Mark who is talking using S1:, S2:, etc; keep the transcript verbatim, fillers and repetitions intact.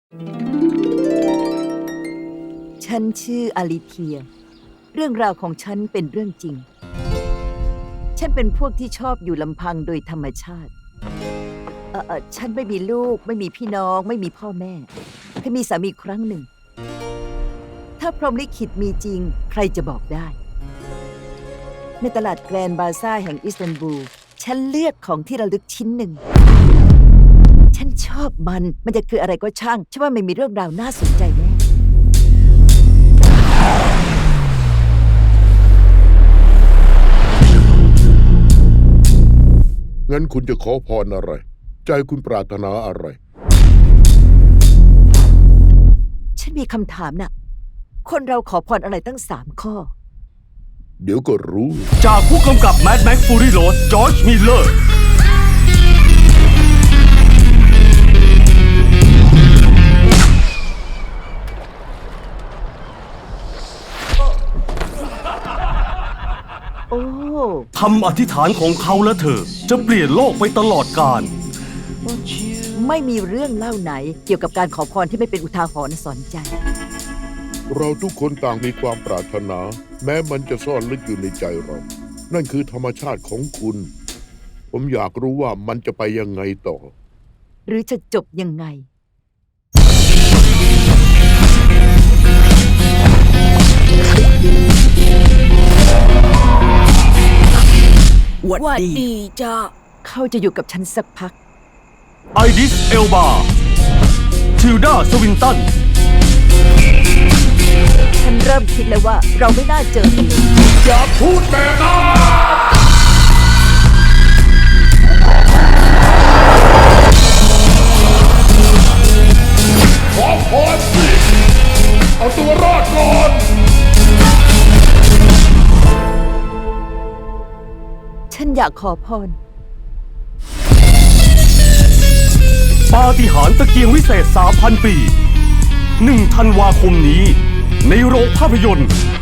S1: ฉันชื่ออลิเทียเรื่องราวของฉันเป็นเรื่องจริงฉันเป็นพวกที่ชอบอยู่ลำพังโดยธรรมชาติเออเออฉันไม่มีลูกไม่มีพี่น้องไม่มีพ่อแม่เคยมีสามีครั้งหนึ่งถ้าพรหมลิขิตมีจริงใครจะบอกได้ในตลาดแกรนด์บาซ่าแห่งอิสตันบูลฉันเลือกของที่ระลึกชิ้นหนึ่งฉันชอบมันมันจะคืออะไรก็ช่างฉันว่ามันมีเรื่องราวน่าสนใจแน่
S2: งั้นคุณจะขอพรอะไรใจคุณปรารถนาอะไร
S1: ฉันมีคำถามน่ะคนเราขอพรอะไรตั้งสามข้อ
S2: เดี๋ยวก็รู้
S3: จากผู้กำกับ Mad Max Fury Road จอร์จ มิลเลอร์
S1: โอ้
S3: คำอธิษฐานของเขาและเธอจะเปลี่ยนโลกไปตลอดกาล
S1: ไม่มีเรื่องเล่าไหนเกี่ยวกับการขอพรที่ไม่เป็นอุทาหรณ์สอนใจ
S2: เราทุกคนต่างมีความปรารถนา แม้มันจะซ่อนลึกอยู่ในใจเรา นั่นคือธรรมชาติของคุณ ผมอยากรู้ว่ามันจะไปยังไงต่อ
S1: หรือจะจบยังไง
S4: หวัดดีจ้า
S1: เขาจะอยู่กับฉันสักพัก
S3: ไอดิส เอลบา ทิลดา สวินตัน
S1: ฉันเริ่มคิดแล้วว่าเราไม่น่าเจอกันเลย
S2: อย่าพูดแบบนั้นขอพรสิเอาตัวรอดก่อน
S1: ฉันอยากขอพร
S3: ปาฏิหาริย์ตะเกียงวิเศษ สามพัน ปี หนึ่ง ธันวาคมนี้ในโรงภาพยนตร์